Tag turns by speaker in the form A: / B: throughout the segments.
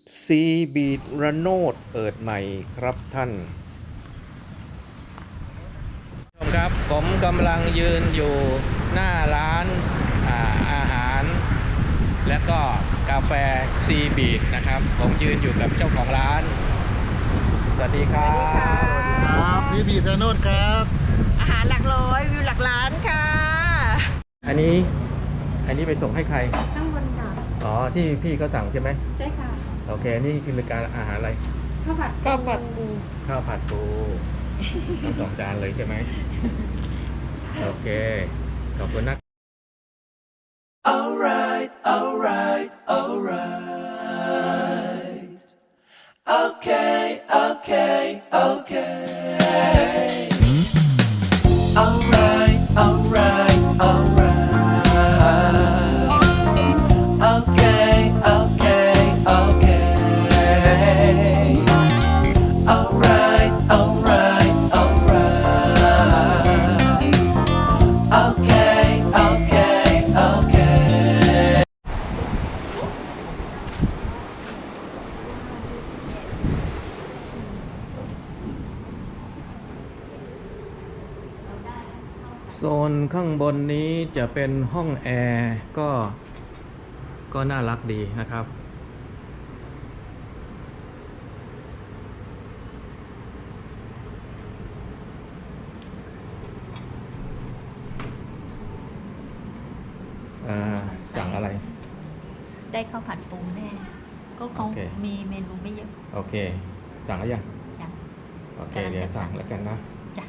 A: ซีบีดระโนดเปิดใหม่ครับท่านชมครับผมกำลังยืนอยู่หน้าร้านอาหารและก็กาแฟซีบีดนะครับผมยืนอยู่กับเจ้าของร้านสวัสดีครับ
B: ครับพี่บีระโนดครับ
C: อาหารหลักร้อยวิวหลักล้านค่ะ
A: อันนี้ไปส่งให้ใคร
C: ข้างบนค่ะ
A: อ๋อที่พี่เขาสั่งใช่ไหม
C: ใช่ค่ะ
A: โอเคนี่คือรายการอาหารอะไร
C: ข้าวผัดปู
A: ข้าวผัดปูทั้งสองจานเลยใช่ไหมโอเคขอบคุณนะ
D: Alright, alright, alright. Okay, okay, okay. Alright, alright, alright. Okay, okay, okay. Alright, alright, alright. Okay, okay, okay.
A: โซนข้างบนนี้จะเป็นห้องแอร์ก็น่ารักดีนะครับสั่งอะไร
E: ได้ข้าวผัดปูแน่ ก็คง
A: โอเค
E: มีเมนูไม่เยอะ
A: โอเค สั่งแล้วยัง
E: จ้ะ
A: โอเค
E: กำลังจะ
A: เดี๋ยวสั่ง
E: สั่ง
A: แล้วกันนะ
E: จ้ะ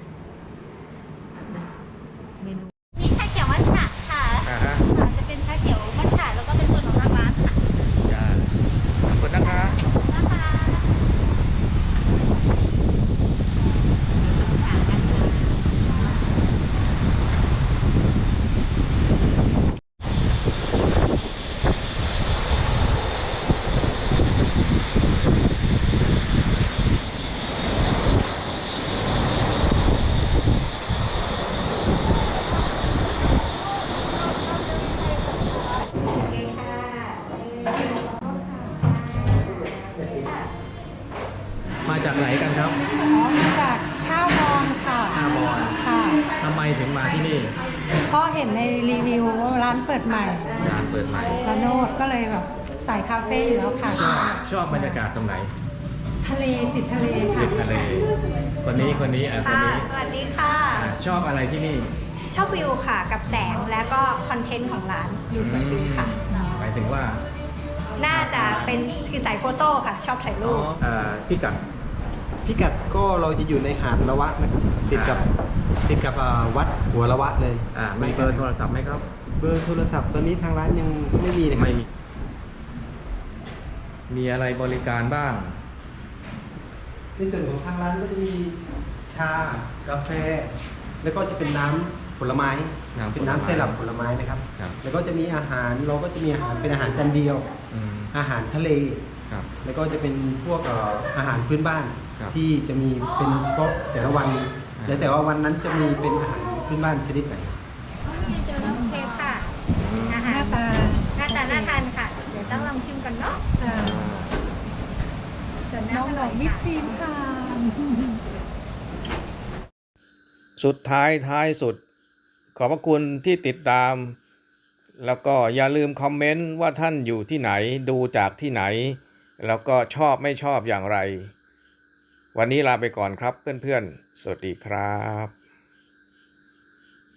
E: เมนู
F: มีชาเขียวมัทฉะค่ะ
A: อ่าฮะ
F: ค่ะจะเป็นชาเขียวมัทฉะแล้วก็เป็นส่วนของทางร้านค่ะ
A: จ้าขอบคุณนะคะ
F: นะคะ
A: มาจากไหนกันครับ
C: อ๋อมาจากข้าวมองค่ะ
A: ท่าบอน
C: ค่ะ
A: ทำไมถึงมาที่นี่
C: ก็เห็นในรีวิวว่าร้านเปิดใหม่
A: ร้านเปิดใหม่
C: ระโนดก็เลยแบบใส่คาเฟ่อยู่แล้วค่ะ
A: ชอบบรรยากาศตรงไหน
C: ทะเลติดทะเลค่ะ
A: ติดทะเล คนนี้คนนี้คนนี้
G: สวัสดีค่ะ
A: ชอบอะไรที่นี่
G: ชอบวิวค่ะ กับแสงและก็คอนเทนต์ของร้านดูสวยดีค่ะ
A: หมายถึงว่า
G: น่าจะเป็นคือสายโฟโต้ค่ะ ชอบถ่ายรูป
A: พี่กัด
B: พิกัดก็เราจะอยู่ในหาดละวะนะครับติดกับวัดหัวละวะเลย
A: มีเบอร์โทรศัพท์ไหมครับ
B: เบอร์โทรศัพท์ตอนนี้ทางร้านยังไม่มีนะครับ
A: ไม่มีอะไรบริการบ้าง
B: ในส่วนของทางร้านก็จะมีชากาแฟ แล้วก็จะเป็นน้ำผลไม้
A: น้ำผลไม้
B: เป็นน้ำไซรัปผลไม้นะครับ
A: ครับ
B: แล้วก็จะมีอาหารเราก็จะมีอาหารเป็นอาหารจานเดียว
A: อืม
B: อาหารทะเล
A: ครับ
B: แล้วก็จะเป็นพวกอาหารพื้นบ้าน
A: ครับ
B: ที่จะมีเป็นเฉพาะแต่ละวัน แล้วแต่ว่าวันนั้นจะมีเป็นอาหารพื้นบ้านชนิดไหน
G: เจอน้ำเค้กค่ะ อา
C: ห
G: หา
C: น้าร ตา
G: น่าทานค่ะ เดี๋ยวต้องลองชิมกันเนาะ
C: ค่ะ
G: ส่วน
C: น้อง
G: น้ำ
C: บอกวิปครีมค่ะ
A: สุดท้ายสุด ขอบพระคุณที่ติดตาม แล้วก็อย่าลืมคอมเมนต์ว่าท่านอยู่ที่ไหนดูจากที่ไหน แล้วก็ชอบไม่ชอบอย่างไร วันนี้ลาไปก่อนครับเพื่อนๆ สวัสดีครับ